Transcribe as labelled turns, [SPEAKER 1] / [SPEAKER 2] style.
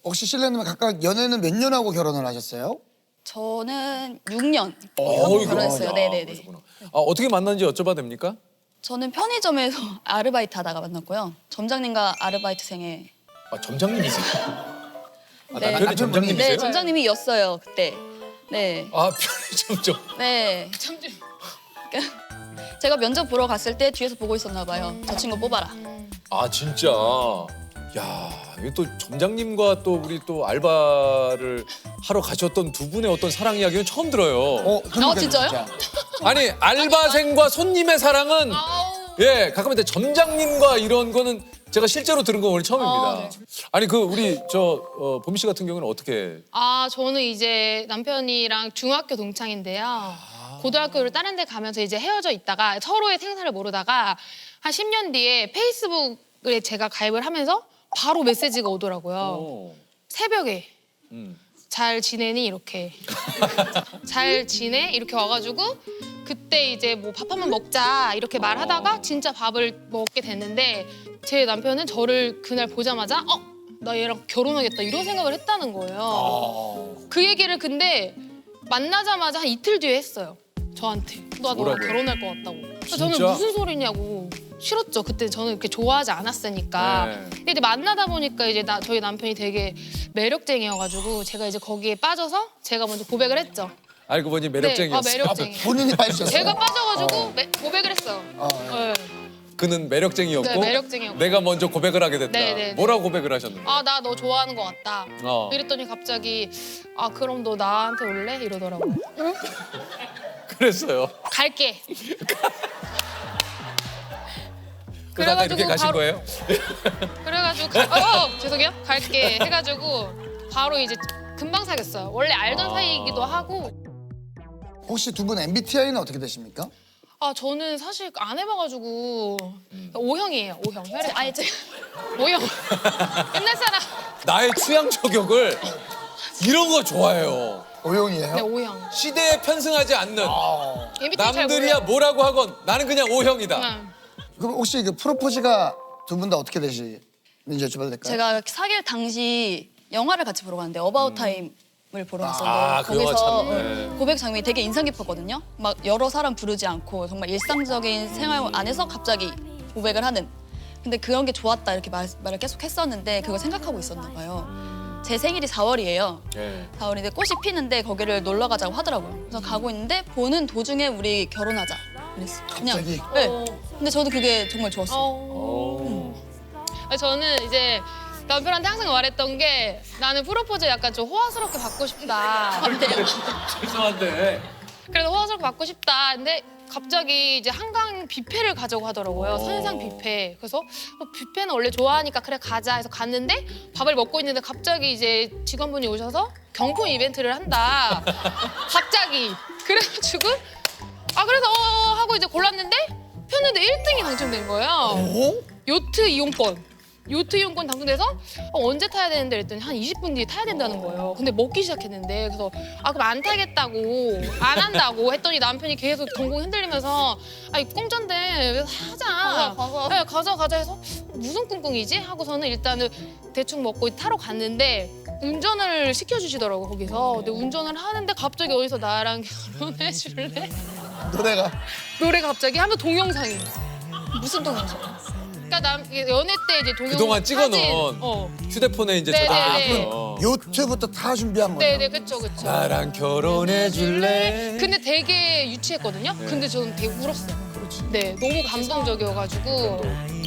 [SPEAKER 1] 혹시 실례는 각각 연애는 몇 년 하고 결혼을 하셨어요?
[SPEAKER 2] 저는 6년
[SPEAKER 3] 어이구,
[SPEAKER 2] 결혼했어요.
[SPEAKER 3] 야,
[SPEAKER 2] 네네네.
[SPEAKER 3] 그러시구나. 어떻게 만났는지 여쭤봐도 됩니까?
[SPEAKER 2] 저는 편의점에서 아르바이트 하다가 만났고요. 점장님과 아르바이트생의
[SPEAKER 3] 점장님이세요?
[SPEAKER 2] 네.
[SPEAKER 3] 남편이 점장님이세요?
[SPEAKER 2] 네, 점장님이었어요 그때. 네.
[SPEAKER 3] 편의점죠.
[SPEAKER 2] 네. 제가 면접 보러 갔을 때 뒤에서 보고 있었나 봐요. 저 친구 뽑아라.
[SPEAKER 3] 진짜. 야, 이게 또 점장님과 또 우리 또 알바를 하러 가셨던 두 분의 어떤 사랑 이야기는 처음 들어요.
[SPEAKER 1] 그러니까요,
[SPEAKER 2] 진짜요?
[SPEAKER 1] 진짜.
[SPEAKER 3] 아니, 알바생과 손님의 사랑은 예, 가끔 이제 점장님과 이런 거는 제가 실제로 들은 건 오늘 처음입니다. 아니, 우리 보미 씨 같은 경우는 어떻게?
[SPEAKER 4] 저는 이제 남편이랑 중학교 동창인데요. 고등학교를 다른 데 가면서 이제 헤어져 있다가 서로의 생사를 모르다가 한 10년 뒤에 페이스북에 제가 가입을 하면서 바로 메시지가 오더라고요. 새벽에 잘 지내니 이렇게 잘 지내 이렇게 와가지고 그때 이제 뭐 밥 한번 먹자 이렇게 말하다가 진짜 밥을 먹게 됐는데 제 남편은 저를 그날 보자마자 나 얘랑 결혼하겠다 이런 생각을 했다는 거예요. 그 얘기를 근데 만나자마자 한 이틀 뒤에 했어요. 저한테. 나 너랑
[SPEAKER 3] 뭐라고요?
[SPEAKER 4] 결혼할 것 같다고. 그래서
[SPEAKER 3] 진짜?
[SPEAKER 4] 저는 무슨 소리냐고. 싫었죠. 그때 저는 이렇게 좋아하지 않았으니까.
[SPEAKER 3] 네.
[SPEAKER 4] 근데 이제 만나다 보니까 이제 저희 남편이 되게 매력쟁이여가지고 제가 이제 거기에 빠져서 제가 먼저 고백을 했죠.
[SPEAKER 3] 알고 보니 매력쟁이였어요.
[SPEAKER 4] 네, 매력쟁이.
[SPEAKER 1] 본인이 빠지셨어요?
[SPEAKER 4] 제가 빠져가지고 고백을 했어요. 네.
[SPEAKER 3] 그는 매력쟁이였고
[SPEAKER 4] 네, 매력쟁이였고.
[SPEAKER 3] 내가 먼저 고백을 하게 됐다.
[SPEAKER 4] 네, 네.
[SPEAKER 3] 뭐라고 고백을 하셨는데?
[SPEAKER 4] 나 너 좋아하는 것 같다. 이랬더니 갑자기 그럼 너 나한테 올래? 이러더라고요.
[SPEAKER 3] 그랬어요.
[SPEAKER 4] 갈게.
[SPEAKER 3] 그러다가 이렇게 가신
[SPEAKER 4] 바로-
[SPEAKER 3] 거예요?
[SPEAKER 4] 그래가지고 죄송해요. 갈게 해가지고 바로 이제 금방 사귀었어요. 원래 알던 사이이기도 하고.
[SPEAKER 1] 혹시 두 분 MBTI는 어떻게 되십니까?
[SPEAKER 4] 저는 사실 안 해봐가지고 O형이에요. O형. 혈액.
[SPEAKER 2] 아니 제가
[SPEAKER 4] O형. 옛날 사람.
[SPEAKER 3] 나의 취향 저격을 이런 거 좋아해요.
[SPEAKER 1] O형이에요?
[SPEAKER 4] 네, O형.
[SPEAKER 3] 시대에 편승하지 않는
[SPEAKER 4] MBTI 잘
[SPEAKER 3] 남들이야
[SPEAKER 4] 몰라요.
[SPEAKER 3] 뭐라고 하건 나는 그냥 O형이다.
[SPEAKER 4] 응.
[SPEAKER 1] 그럼 혹시 그 프로포즈가 두 분 다 어떻게 되시는지 여쭤봐도 될까요?
[SPEAKER 2] 제가 사귈 당시 영화를 같이 보러 갔는데 어바웃 타임을 보러 갔었는데
[SPEAKER 3] 그 영화
[SPEAKER 2] 거기서
[SPEAKER 3] 참, 네.
[SPEAKER 2] 고백 장면이 되게 인상 깊었거든요. 막 여러 사람 부르지 않고 정말 일상적인 생활 안에서 갑자기 고백을 하는. 근데 그런 게 좋았다 이렇게 말을 계속 했었는데 그걸 생각하고 있었나 봐요. 제 생일이 4월이에요.
[SPEAKER 3] 네.
[SPEAKER 2] 4월인데 꽃이 피는데 거기를 놀러 가자고 하더라고요. 그래서 가고 있는데 보는 도중에 우리 결혼하자. 그랬어. 그냥.
[SPEAKER 1] 갑자기?
[SPEAKER 2] 네. 근데 저도 그게 정말 좋았어요.
[SPEAKER 4] 저는 이제 남편한테 항상 말했던 게 나는 프로포즈 약간 좀 호화스럽게 받고 싶다.
[SPEAKER 3] 죄송한데
[SPEAKER 4] 그래서 호화스럽게 받고 싶다. 근데 갑자기 이제 한강 뷔페를 가자고 하더라고요. 선상 뷔페. 그래서 뷔페는 원래 좋아하니까 그래 가자 해서 갔는데 밥을 먹고 있는데 갑자기 이제 직원분이 오셔서 경품 이벤트를 한다. 갑자기. 그래가지고 그래서 하고 이제 골랐는데 폈는데 1등이 당첨된 거예요. 요트 이용권. 요트 이용권 당첨돼서 언제 타야 되는데 그랬더니 한 20분 뒤에 타야 된다는 거예요. 근데 먹기 시작했는데 그래서 그럼 안 타겠다고 안 한다고 했더니 남편이 계속 동공 흔들리면서 공짜인데 하자.
[SPEAKER 2] 가자.
[SPEAKER 4] 네, 가자 해서 무슨 꿍꿍이지? 하고서는 일단은 대충 먹고 타러 갔는데 운전을 시켜주시더라고 거기서. 근데 운전을 하는데 갑자기 어디서 나랑 결혼해 줄래? 노래가 갑자기 하면 동영상이.
[SPEAKER 2] 무슨 동영상?
[SPEAKER 4] 그러니까 연애 때 이제 동영상
[SPEAKER 3] 그동안 찍어놓은
[SPEAKER 4] 사진.
[SPEAKER 3] 휴대폰에 이제
[SPEAKER 4] 네,
[SPEAKER 3] 저장했어요.
[SPEAKER 1] 요트부터 다 준비한 거예요?
[SPEAKER 4] 네네 그쵸.
[SPEAKER 3] 나랑 결혼해 줄래?
[SPEAKER 4] 근데 되게 유치했거든요. 근데 저는 되게 울었어요. 네, 너무 감동적이어가지고